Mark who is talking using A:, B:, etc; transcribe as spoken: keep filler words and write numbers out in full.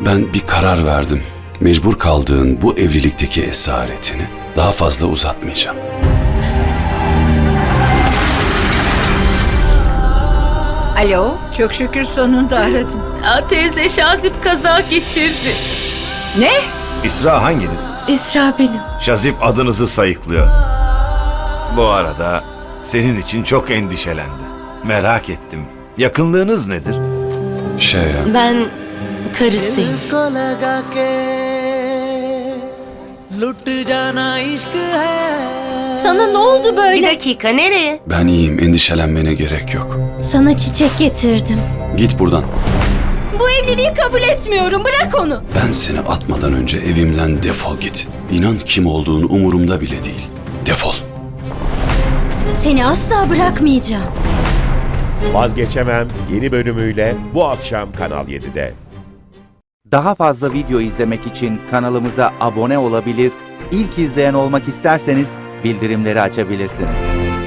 A: Ben bir karar verdim. Mecbur kaldığın bu evlilikteki esaretini daha fazla uzatmayacağım.
B: Alo, çok şükür sonunda aradın.
C: Aa, teyze Şazip kaza geçirdi.
B: Ne?
D: İsra hanginiz?
C: İsra benim.
D: Şazip adınızı sayıklıyor. Bu arada senin için çok endişelendi. Merak ettim. Yakınlığınız nedir?
A: Şey ya,
C: Ben karısıyım.
E: को लगा के लुट जाना इश्क है.
C: Sana ne oldu böyle? Bir dakika, nereye?
A: ben iyiyim, endişelenmene gerek yok.
F: Sana çiçek getirdim.
A: Git buradan.
C: Bu evliliği kabul etmiyorum, bırak onu.
A: Ben seni atmadan önce evimden defol git. İnan kim olduğun umurumda bile değil. Defol.
F: Seni asla bırakmayacağım.
G: Vazgeçemem yeni bölümüyle bu akşam Kanal yedide.
H: Daha fazla video izlemek için kanalımıza abone olabilir, ilk izleyen olmak isterseniz bildirimleri açabilirsiniz.